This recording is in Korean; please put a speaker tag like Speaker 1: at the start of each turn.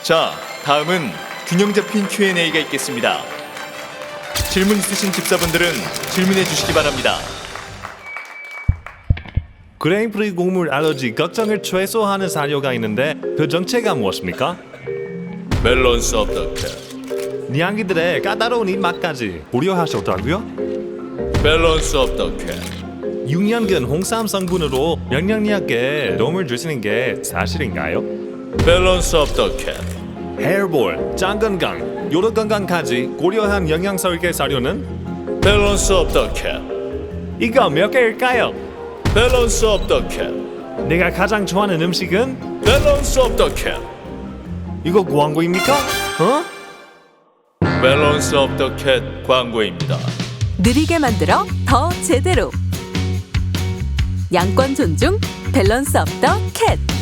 Speaker 1: 자, 다음은 균형 잡힌 Q&A가 있겠습니다. 질문 있으신 집사분들은 질문해 주시기 바랍니다.
Speaker 2: 그레인프리 곡물 알러지 걱정을 최소화하는 사료가 있는데 그 정체가 무엇입니까?
Speaker 1: 밸런스 오브 더 캣.
Speaker 2: 니양이들의 까다로운 입맛까지 고려하셨다고요?
Speaker 1: 밸런스 오브 더 캣.
Speaker 2: 6년근 홍삼 성분으로 면역력에 도움을 주시는 게 사실인가요?
Speaker 1: 밸런스 오브 더 캣.
Speaker 2: 헤어볼, 장 건강, 요로 건강까지 고려한 영양 설계 사료는
Speaker 1: 밸런스 오브 더 캣.
Speaker 2: 이거 몇 개일까요?
Speaker 1: 밸런스 오브 더 캣.
Speaker 2: 내가 가장 좋아하는 음식은
Speaker 1: 밸런스 오브 더 캣.
Speaker 2: 이거 광고입니까? 어?
Speaker 1: 밸런스 오브 더 캣 광고입니다.
Speaker 3: 느리게 만들어 더 제대로. 양권 존중 밸런스 오브 더 캣.